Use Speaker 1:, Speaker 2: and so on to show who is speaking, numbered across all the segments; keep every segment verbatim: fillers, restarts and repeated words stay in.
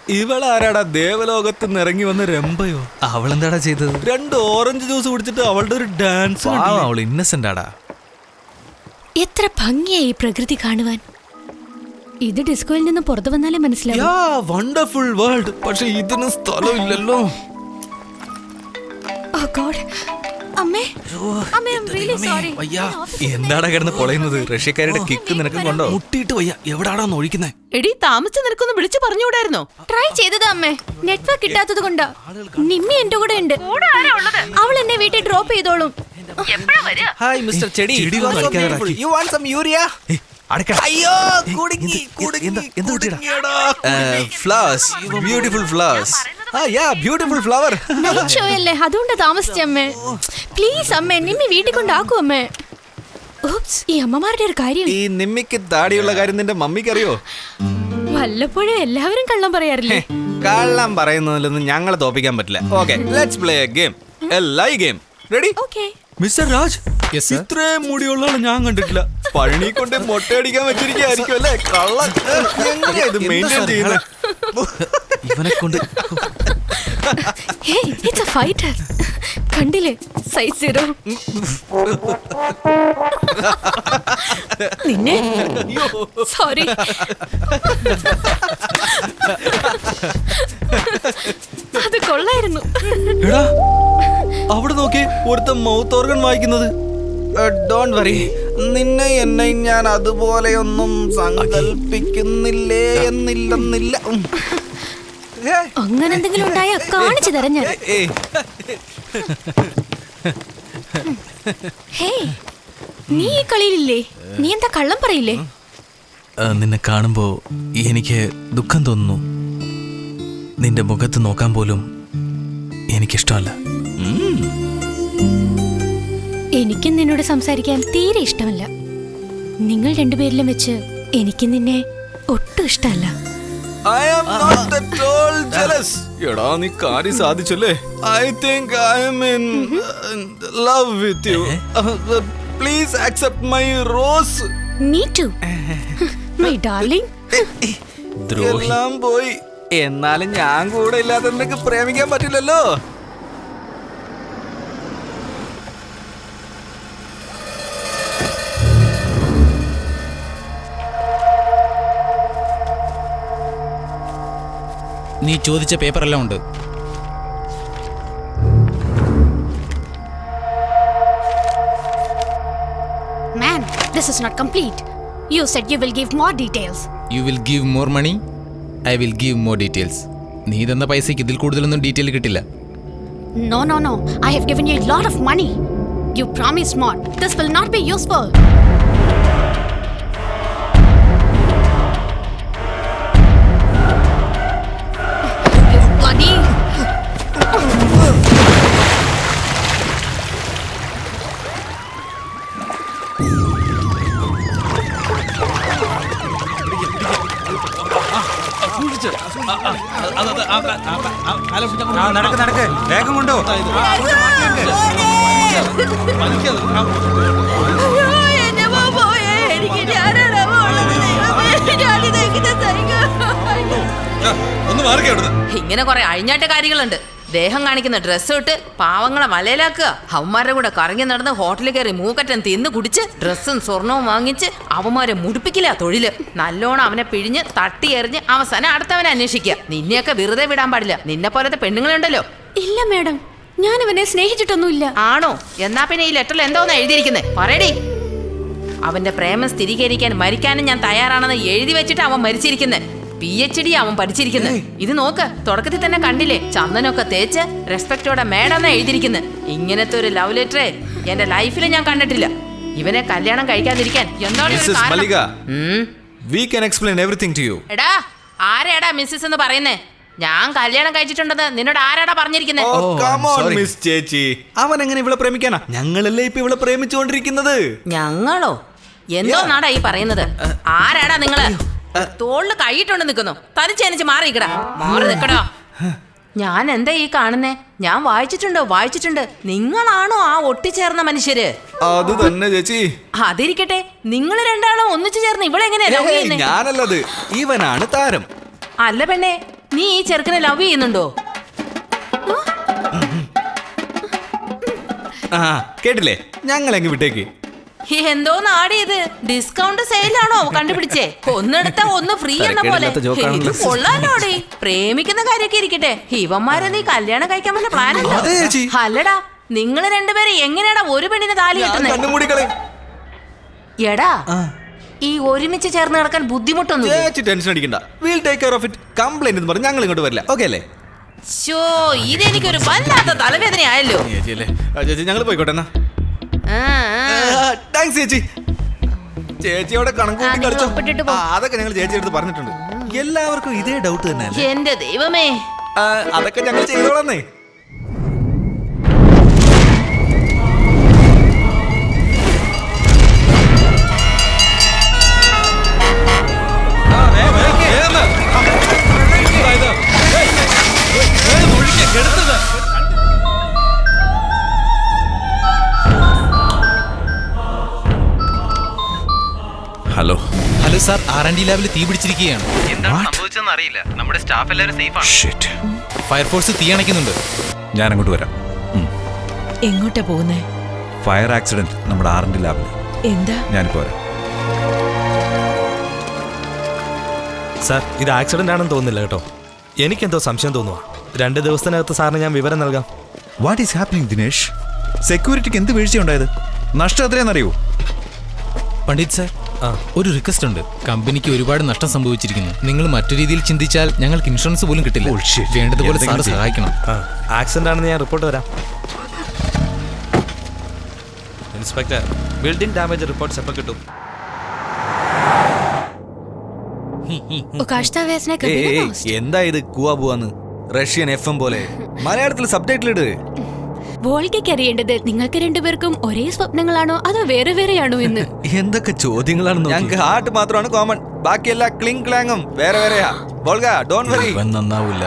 Speaker 1: ഇവളാരാടാ ദേവലോകത്ത് നിന്ന് ഇറങ്ങി വന്ന രംഭയോ?
Speaker 2: അവളെന്താടാ ചെയ്തത്?
Speaker 1: രണ്ട് ഓറഞ്ച് ജ്യൂസ് കുടിച്ചിട്ട് അവളുടെ ഒരു ഡാൻസ്.
Speaker 2: അവൾ ഇന്നസെന്റ് ആടാ.
Speaker 3: എത്ര ഭംഗിയായി പ്രകൃതി കാണുവാൻ. ഇത് ഡിസ്കോയിൽ നിന്ന് പുറത്തു വന്നാലേ മനസ്സിലാവും.
Speaker 1: Wonderful world. പക്ഷെ ഇതിന് സ്ഥലമില്ലല്ലോ.
Speaker 3: ഓ ഗോഡ്. അമ്മേ, അമ്മേ, ഐ ആം റിയലി സോറി.
Speaker 2: എന്താടാ കിടന്ന് പൊളയുന്നത്? റഷ്യക്കാരുടെ കിക്ക് നിനക്ക് കൊണ്ടോ?
Speaker 1: മുട്ടിയിട്ട് വയ്യ. എവിടാടാ ഒഴിക്കുന്നേ?
Speaker 4: എടി താമസിച്ച് നിനക്കൊന്ന് വിളിച്ചു പറഞ്ഞുകൂടായിരുന്നോ?
Speaker 3: ട്രൈ ചെയ്തത് അമ്മേ, നെറ്റ്വർക്ക് കിട്ടാത്തത് കൊണ്ടാ. നിമ്മി എന്റെ കൂടെ ഉണ്ട്. അവൾ എന്നെ വീട്ടിൽ ഡ്രോപ്പ് ചെയ്തോളും.
Speaker 1: ഹായ് മിസ്റ്റർ ചെടി.
Speaker 2: You want some urea?
Speaker 1: അയ്യോ കുടുങ്ങി കുടുങ്ങി.
Speaker 2: Flowers, beautiful flowers.
Speaker 1: ആ yeah beautiful flower.
Speaker 3: Night show അല്ലേ, അതുകൊണ്ട് താമസിച്ചമ്മേ. പ്ലീസ് അമ്മേ, നിമ്മി വീട്ടിൽ കൊണ്ടാക്കൂ അമ്മേ. ഓപ്സ്, ഈ അമ്മമാരുടെ ഒരു കാര്യം.
Speaker 1: ഈ നിമ്മിക്ക് താടിയുള്ള കാര്യം നിന്റെ മമ്മിക്ക് അറിയോ?
Speaker 3: വല്ലപ്പോഴും എല്ലാവരും കള്ളം പറയാറില്ലേ?
Speaker 1: കള്ളം പറയുന്നതിലൊന്നും ഞങ്ങളെ തോപ്പിക്കാൻ പറ്റില്ല. Okay, let's play a game, a lie game. Ready?
Speaker 3: Okay.
Speaker 1: Mister Raj, ഇത്രയും മുടിയുള്ള ഞാൻ കണ്ടിട്ടില്ല. പഴനി കൊണ്ട് മൊട്ടയടിക്കാൻ വെച്ചിരിക്കും അല്ലേ? കള്ളൻ. എങ്ങനെയാ ഇത് മെയിൻറ്റെയിൻ ചെയ്യുന്നത്?
Speaker 2: ഇവനെ കൊണ്ട്
Speaker 3: ഹേയ്, ഇറ്റ്സ് എ ഫൈറ്റർ. കണ്ടില്ലേ, സൈസ് സീറോ. നിന്നെ സോറി. അത് കൊള്ളായിരുന്നു.
Speaker 1: എടാ അവിടെ നോക്കി, ഒരുത്ത മൗത്ത് ഓർഗൻ വായിക്കുന്നത്. ഡോണ്ട് വറി, നിന്നെ എന്നെ ഞാൻ അതുപോലെയൊന്നും സങ്കല്പിക്കുന്നില്ലേ എന്നില്ലെന്നില്ല.
Speaker 3: അങ്ങനെ എന്തെങ്കിലും ഉണ്ടായാ കാണിച്ചു തരാം ഞാൻ. ഹേയ്, നീ ഈ കളിയിലില്ലേ? നീ എന്താ കള്ളം പറയില്ലേ?
Speaker 2: നിന്നെ കാണുമ്പോ എനിക്ക് ദുഃഖം തോന്നുന്നു. നിന്റെ മുഖത്ത് നോക്കാൻ പോലും എനിക്കിഷ്ടമല്ല.
Speaker 3: എനിക്കും നിന്നോട് സംസാരിക്കാൻ തീരെ ഇഷ്ടമല്ല. നിങ്ങൾ രണ്ടുപേരിലും വെച്ച് എനിക്ക് നിന്നെ ഒട്ടും ഇഷ്ടമല്ല.
Speaker 1: I am not at all jealous. എടാ നീ കാര്യം സാധിച്ചല്ലേ? I think I am in love with you. Please accept my rose.
Speaker 3: Me too, my darling.
Speaker 1: എല്ലാം പോയി. എന്നാലും ഞാൻ കൂടെ ഇല്ലാതെ നിനക്ക് പ്രേമിക്കാൻ പറ്റില്ലല്ലോ.
Speaker 5: നീ ചോദിച്ച പേപ്പർ എല്ലാം ഉണ്ട്.
Speaker 3: Man, this is not complete. You said you will give more details.
Speaker 5: You will give more money. I will give more details. നീ തന്ന പൈസയ്ക്ക് ഇതിൽ കൂടുതലൊന്നും ഡീറ്റെയിൽ കിട്ടില്ല.
Speaker 3: No, no, no. I have given you a lot of money. You promised more. This will not be useful. Bloody.
Speaker 6: നടക്ക് നടക്ക്, വേഗം കൊണ്ടോ.
Speaker 4: ഇങ്ങനെ കുറെ അഴിഞ്ഞാട്ട കാര്യങ്ങളുണ്ട്. ദേഹം കാണിക്കുന്ന ഡ്രസ്സ് ഇട്ട് പാവങ്ങളെ മലയിലാക്കുക. അവന്മാരുടെ കൂടെ കറങ്ങി നടന്ന് ഹോട്ടലിൽ കയറി മൂക്കറ്റം തിന്ന് കുടിച്ച് ഡ്രസ്സും സ്വർണവും വാങ്ങിച്ച് അവന്മാരെ മുടിപ്പിക്കില്ല തൊഴില്. നല്ലോണം അവനെ പിഴിഞ്ഞ് തട്ടി എറിഞ്ഞ് അവസാനം അടുത്തവനെ അന്വേഷിക്കുക. നിന്നെയൊക്കെ വെറുതെ വിടാൻ പാടില്ല. നിന്നെ പോലത്തെ പെണ്ണുങ്ങളുണ്ടല്ലോ.
Speaker 3: ഇല്ല മാഡം, ഞാൻ അവനെ സ്നേഹിച്ചിട്ടൊന്നുമില്ല.
Speaker 4: ആണോ? എന്നാ പിന്നെ ഈ ലെറ്ററിൽ എന്തോന്നാ എഴുതിയിരിക്കുന്നത്? പറയടി. അവന്റെ പ്രേമം സ്ഥിരീകരിക്കാൻ മരിക്കാനും ഞാൻ തയ്യാറാണെന്ന് എഴുതി വെച്ചിട്ട് അവൻ മരിച്ചിരിക്കുന്നത്. പി എച്ച് ഡി അവൻ പഠിച്ചിരിക്കുന്നത്. ഇത് നോക്ക്, തുടക്കത്തിൽ തന്നെ കണ്ടില്ലേ? ചന്ദനൊക്കെ തേച്ച് റെസ്പെക്ടോടെ മേഡം എഴുതിയിരിക്കുന്നത്. ഇങ്ങനത്തെ ഒരു ലവ് ലെറ്റർ എന്റെ ലൈഫിൽ ഞാൻ കണ്ടിട്ടില്ല. ഇവനെ കല്യാണം കഴിക്കാതിരിക്കാൻ എന്താണ്? എടാ, ആരാടാ മിസ്സിസ് എന്ന് പറയുന്നേ? ഞാൻ കല്യാണം കഴിച്ചിട്ടുണ്ടെന്ന് നിന്നോട് ആരാടാ പറഞ്ഞിരിക്കുന്നത്?
Speaker 1: ചേച്ചി, അവൻ എങ്ങനെ ഇവളെ പ്രേമിക്കാനാ? ഞങ്ങളല്ലേ ഇപ്പൊ ഇവളെ പ്രേമിച്ചുകൊണ്ടിരിക്കുന്നത്.
Speaker 4: ഞങ്ങളോ? എന്തോ നാടാ ഈ പറയുന്നത്? ആരാടാ നിങ്ങള്? തോളില് കൈയിട്ടുണ്ട് നിൽക്കുന്നു. തനിച്ചെനിച്ച് മാറിക്കടാ, മാറി നിക്കടാ. ഞാൻ എന്താ ഈ കാണുന്നേ? ഞാൻ വായിച്ചിട്ടുണ്ടോ? വായിച്ചിട്ടുണ്ട്. നിങ്ങളാണോ ആ ഒട്ടിച്ചേർന്ന മനുഷ്യര്?
Speaker 1: അത് തന്നെ ചേച്ചി.
Speaker 4: അതിരിക്കട്ടെ, നിങ്ങൾ രണ്ടാളും ഒന്നിച്ചു ചേർന്ന് ഇവളെങ്ങനെയാ?
Speaker 1: ഞാനല്ലത്, ഇവനാണ് താരം.
Speaker 4: അല്ല പെണ്ണെ, നീ ഈ ചെറുക്കനെ ലവ് ചെയ്യുന്നുണ്ടോ?
Speaker 1: ആ കേട്ടില്ലേ, ഞങ്ങൾ എങ്ങ് വിട്ടേക്ക്.
Speaker 4: എന്തോ നാടിയത്, ഡിസ്കൗണ്ട് സെയിലാണോ കണ്ടുപിടിച്ചേ? ഒന്നെടുത്ത ഒന്ന് ഫ്രീ എന്ന പോലെ.
Speaker 1: തരക്കേടില്ലാത്ത ജോക്കാണല്ലോ.
Speaker 4: ഇത് കൊള്ളാലോടി. പ്രേമിക്കുന്ന കാര്യമൊക്കെ ഇരിക്കട്ടെ, ഇവന്മാരെ നീ കല്യാണം കഴിക്കാൻ വല്ല പ്ലാൻ ഉണ്ടോ?
Speaker 1: അതെ ചേച്ചി.
Speaker 4: അല്ലടാ, നിങ്ങൾ രണ്ടുപേരും എങ്ങനെയാടാ ഒരു പെണ്ണിനെ താലി കെട്ടുന്നേ?
Speaker 1: കണ്ണുമൂടിക്കളെ.
Speaker 4: എടാ, ഈ ഒരുമിച്ച് ചേർന്ന് നടക്കാൻ ബുദ്ധിമുട്ടൊന്നും
Speaker 1: ചേച്ചി ടെൻഷൻ അടിക്കണ്ട. Will take care of it. Complaint എന്ന് പറഞ്ഞ് ഞങ്ങൾ ഇങ്ങോട്ട് വരില്ല. ഓക്കെ അല്ലേ?
Speaker 4: ശോ, ഇതെനിക്കൊരു വല്ലാത്ത തലവേദന ആയല്ലോ.
Speaker 1: ചേച്ചി അല്ലേ? ആ, ചേച്ചി ഞങ്ങൾ പോയിക്കോട്ടെ എന്നാ.
Speaker 4: ആ, ആ.
Speaker 1: താങ്ക്സ് ചേച്ചി. ചേച്ചിയോടെ കണക്ക് കൂട്ടി
Speaker 3: ആ, നിങ്ങൾ
Speaker 1: കളിച്ചോ.
Speaker 3: ഒപ്പിട്ടിട്ട് പോ.
Speaker 1: ആ, അതൊക്കെ ഞങ്ങൾ ചേച്ചി അടുത്ത് പറഞ്ഞിട്ടുണ്ട്. എല്ലാവർക്കും ഇതേ ഡൗട്ട് തന്നെ അല്ലേ?
Speaker 4: എന്റെ ദൈവമേ.
Speaker 1: ആ, അതൊക്കെ ഞങ്ങൾ ചെയ്തോളന്നേ. Hello
Speaker 5: hello sir, R and D ലാബിൽ തീ പിടിച്ചിരിക്കുകയാണ്.
Speaker 2: എന്താണ് സംഭവിച്ചതെന്ന് അറിയില്ല. നമ്മുടെ സ്റ്റാഫ് എല്ലാവരും സേഫ് ആണ്.
Speaker 5: ഫയർഫോഴ്സ് തീ അണയ്ക്കുന്നുണ്ട്.
Speaker 7: ഞാൻ അങ്ങോട്ട് വരാം.
Speaker 8: എങ്ങോട്ടാ പോകുന്നേ?
Speaker 7: ഫയർ ആക്സിഡന്റ് നമ്മുടെ ആർ എൻ ലാബിൽ.
Speaker 8: എന്താ?
Speaker 7: ഞാനിപ്പോ വരാം.
Speaker 9: സാർ, ഇത് ആക്സിഡന്റ് ആണെന്ന് തോന്നുന്നില്ല കേട്ടോ. എനിക്കെന്തോ സംശയം തോന്നുക. രണ്ട് ദിവസത്തിനകത്ത് സാറിന് ഞാൻ വിവരം നൽകാം.
Speaker 7: What is happening Dinesh? സെക്യൂരിറ്റിക്ക് എന്ത് വീഴ്ചയുണ്ടായത്? നഷ്ടം എത്രയാണെന്നറിയോ?
Speaker 5: പണ്ഡിറ്റ് സാർ, ഒരു റിക്വസ്റ്റ് ഉണ്ട്. കമ്പനിക്ക് ഒരുപാട് നഷ്ടം സംഭവിച്ചിരിക്കുന്നു. നിങ്ങൾ മറ്റു രീതിയിൽ ചിന്തിച്ചാൽ ഞങ്ങൾക്ക് ഇൻഷുറൻസ് പോലും കിട്ടില്ല. വേണ്ടതുപോലെ സാർ സഹായിക്കണം.
Speaker 9: ആക്സിഡന്റ് ആണെന്ന് ഞാൻ റിപ്പോർട്ട് തരാം. ഇൻസ്പെക്ടർ, ബിൽഡിംഗ് ഡാമേജ് റിപ്പോർട്ട്സ് എപ്പോൾ കിട്ടും?
Speaker 3: उकाश्ता वैसने कभी
Speaker 1: ഏയ്,
Speaker 3: ना
Speaker 1: ഏയ്,
Speaker 3: lost.
Speaker 1: എന്താ ഇത് കൂവാ പോവാന്ന്? റഷ്യൻ എഫ് എം പോലെ മലയാളത്തിൽ സബ് ടൈറ്റിൽ ഇട്.
Speaker 3: വോൾഗയ്ക്ക് അറിയേണ്ടത് നിങ്ങൾക്ക് രണ്ടുപേർക്കും ഒരേ സ്വപ്നങ്ങളാണോ അതോ വേറെ വേറെയാണോ എന്ന്.
Speaker 1: എന്തൊക്കെ ചോദ്യങ്ങളാണ്. ഞങ്ങൾക്ക് ഹാർട്ട് മാത്രമാണ് കോമൺ, ബാക്കിയെല്ലാം ക്ലിങ് ക്ലാങ്ങും വേറെ വേറെയാ. Volga, don't worry.
Speaker 2: ഇവൻ നന്നാവൂല.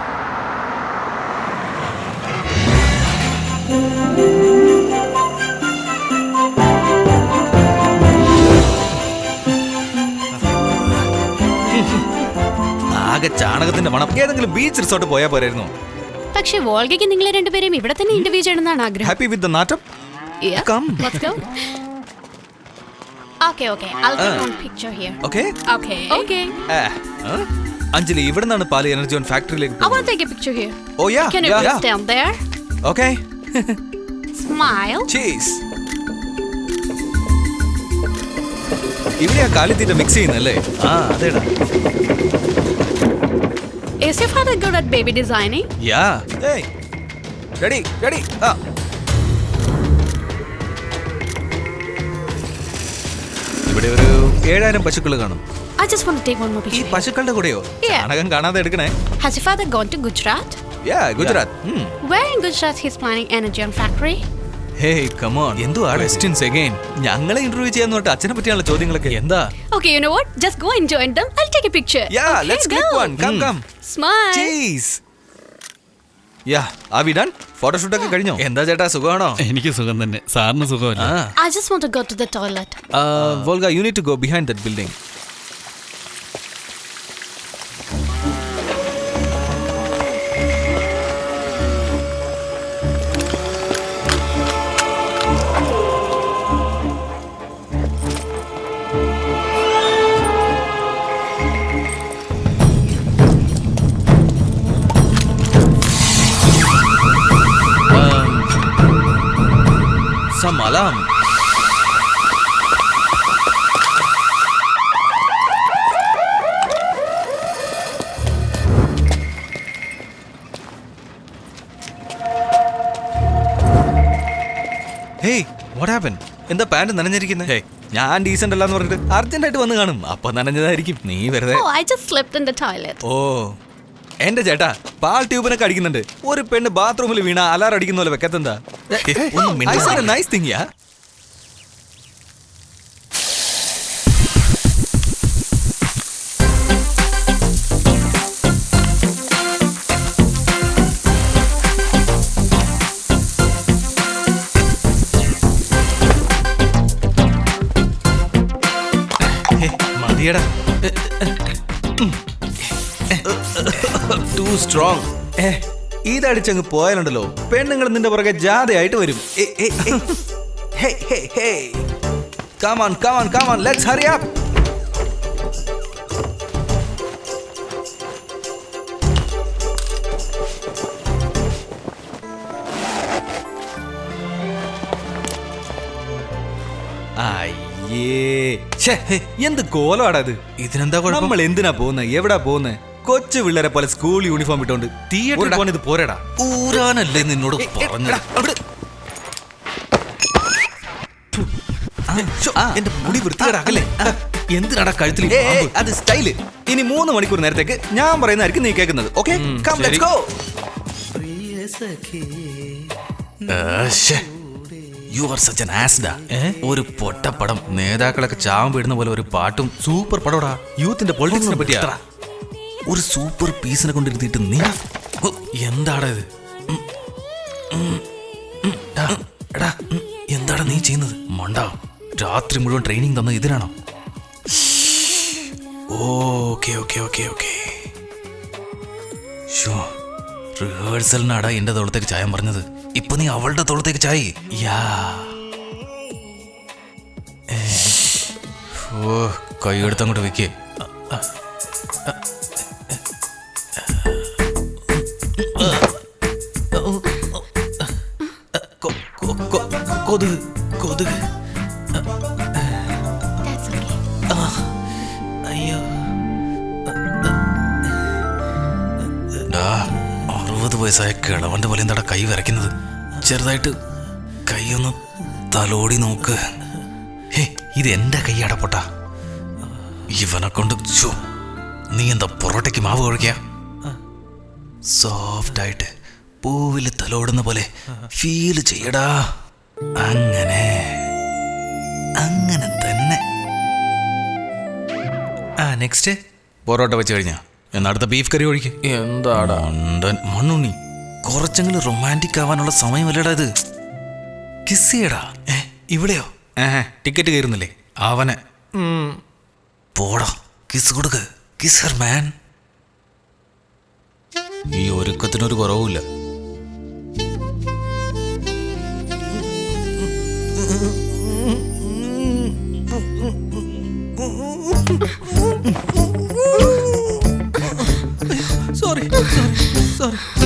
Speaker 1: ആകെ ചാണകത്തിന്റെ മണം. ഏതെങ്കിലും ബീച്ച് റിസോർട്ട് പോയാൽ പോരായിരുന്നു.
Speaker 3: പക്ഷെ വോൾഗയ്ക്ക് നിങ്ങളെ രണ്ടുപേരെയും ഇവിടെ തന്നെ ഇന്റർവ്യൂ ചെയ്യണമെന്നാണ് ആഗ്രഹം.
Speaker 1: ഹാപ്പി വിത്ത് ദ നാറ്റം.
Speaker 3: Yeah.
Speaker 1: Come.
Speaker 3: Let's go. Okay, okay. I'll take one picture here.
Speaker 1: Okay.
Speaker 3: Okay. Okay.
Speaker 1: Anjali, ഇവിടെ നിന്നാണ് പാല് എനർജി ഓൺ ഫാക്ടറിയിലേക്ക്.
Speaker 3: I want to take a picture here.
Speaker 1: Oh yeah.
Speaker 3: Can you please stand there?
Speaker 1: Okay.
Speaker 3: Smile.
Speaker 1: Cheese. ഇവിടെയാ കാലിത്തീറ്റ mix ചെയ്യുന്നല്ലേ? ആ അതേടാ.
Speaker 3: Is your father good at baby designing?
Speaker 1: Yeah. ഏയ്. Ready ready. ആ. ഇവിടെ ഒരു ഏഴായിരം പശുക്കൾ കാണും.
Speaker 3: I just want to take one more
Speaker 1: ഈ
Speaker 3: picture.
Speaker 1: പശുക്കളുടെ കൂടെയോ?
Speaker 3: Yeah.
Speaker 1: ചാണകം കാണാതെ എടുക്കണേ.
Speaker 3: Has your father gone to Gujarat?
Speaker 1: Yeah, Gujarat.
Speaker 3: Where in Gujarat he's planning energy on factory?
Speaker 1: Hey come on. എന്തോ ക്വസ്റ്റ്യൻസ് അഗൈൻ. ഞങ്ങളെ ഇന്റർവ്യൂ ചെയ്യാന്ന് പറഞ്ഞിട്ട് അച്ഛനെ പറ്റിയുള്ള ചോദ്യങ്ങളൊക്കെ എന്താ?
Speaker 3: Okay, you know what? Just go and join them. I'll take a picture.
Speaker 1: Yeah, let's click one. Come come.
Speaker 3: Smile.
Speaker 1: Cheese. Yeah, are we done? Photoshoot ഒക്കെ കഴിഞ്ഞോ? എന്താ ചേട്ടാ, സുഖമാണോ?
Speaker 6: എനിക്ക് സുഖം തന്നെ. സാറിന് സുഖമല്ല?
Speaker 3: I just want to go to the toilet.
Speaker 1: Volga, you need to go behind that building. Some alarm. Hey, what happened? എന്താ പാന്റ് നനഞ്ഞിരിക്കുന്നത്? ഞാൻ ഡീസന്റ് അല്ലാന്ന് പറഞ്ഞിട്ട് അർജന്റ് ആയിട്ട് വന്ന് കാണും. അപ്പൊ നനഞ്ഞതായിരിക്കും. നീ വെറുതെ.
Speaker 3: Oh, I just slept in the toilet.
Speaker 1: ഓ, എന്റെ ചേട്ടാ, പാൽ ട്യൂബിനൊക്കെ അടിക്കുന്നുണ്ട്. ഒരു പെണ്ണ് ബാത്റൂമിൽ വീണ അലാർ അടിക്കുന്ന പോലെ വെക്കത്തെന്താ? Nice thing yeah. മതിയടാ. Too strong. ഏ ഇതടിച്ചങ്ങ് പോയാലുണ്ടല്ലോ പെണ്ണുങ്ങൾ നിന്റെ പുറകെ ജാഥയായിട്ട് വരും. Come on, come on, come on, let's hurry up. അയ്യേ ഛേ, എന്ത് കോലമാടാ ഇത്.
Speaker 2: ഇതിനെന്താ കുഴപ്പം?
Speaker 1: നമ്മൾ എന്തിനാ പോകുന്നത്, എവിടാ പോകുന്നത്? കൊച്ചു പിള്ളേരെ പോലെ സ്കൂൾ യൂണിഫോം ഇട്ടോണ്ട്
Speaker 2: തിയേറ്ററിൽ പോകാൻ ഇത് പോരടാ. ഊരാനല്ലേ നിന്നോട് പറഞ്ഞത്. എന്റെ മുടി വൃത്തികേടാക്കല്ലേ. എന്തിനാടാ കഴുത്തിൽ ഈ പാമ്പ്?
Speaker 1: അത് സ്റ്റൈല്. ഇനി മൂന്ന് മണിക്കൂർ നേരത്തേക്ക് ഞാൻ പറയുന്നതായിരിക്കും നീ കേൾക്കുന്നത്. Okay, come let's go.
Speaker 2: You are such an ആസ്ഡാ. ഒരു പൊട്ടപ്പടം, നേതാക്കളൊക്കെ ചാവം വീടുന്ന പോലെ ഒരു പാട്ടും. സൂപ്പർ പടോടാ. യൂത്തിന്റെ പൊളിറ്റിക്സിനെ പറ്റിയാ. ഒരു സൂപ്പർ പീസിനെ കൊണ്ടിരുത്തിയിട്ട് നീ എന്താടാ ഇത്? എടാ എന്താടാ നീ ചെയ്യുന്നത്? മണ്ടാ, രാത്രി മുഴുവൻ ട്രെയിനിങ് തന്നത് ഇതിനാണോ? Okay okay okay okay show, റിഹേഴ്സലിനാടാ എന്റെ തോളത്തേക്ക് ചായം പറഞ്ഞത്. ഇപ്പൊ നീ അവളുടെ തോളത്തേക്ക് ചായി. യാ ഓ, കൈ എടുത്തങ്ങോട്ട് വെക്കേ. കൊതുക് കൊതുക്. അയ്യോ, അറുപത് വയസ്സായ കിളവന്റെ പോലെ എന്താടാ കൈ വിറയ്ക്കുന്നത്? ചെറുതായിട്ട് കൈയൊന്ന് തലോടി നോക്ക്. ഹേ, ഇത് എന്റെ കൈയാടാ പൊട്ടാ. ഇവനെ കൊണ്ട് ചോ, നീ എന്താ പൊറോട്ടയ്ക്ക് മാവ് കുഴയ്ക്ക? സോഫ്റ്റ് ആയിട്ട് പൂവില് തലോടുന്ന പോലെ ഫീൽ ചെയ്യടാ. അങ്ങനെ അങ്ങനെ തന്നെ. ആ നെക്സ്റ്റ് പൊറോട്ട വെച്ച് കഴിഞ്ഞാ എന്നാ അടുത്ത ബീഫ് കറി ഒഴിക്ക്.
Speaker 1: എന്താടാ
Speaker 2: മണ്ണുണ്ണി, കുറച്ചെങ്കിലും റൊമാൻറ്റിക് ആവാനുള്ള സമയമല്ലടാ ഇത്. കിസ് ചെയ്യടാ. ഏ ഇവിടെയോ? ഏഹ് ടിക്കറ്റ് കയറുന്നില്ലേ? അവനെ പോടാ, കിസ് കൊടുക്ക്. Kiss her man. ഈ ഒരുക്കത്തിനൊരു കുറവുമില്ല.
Speaker 1: Sorry sorry sorry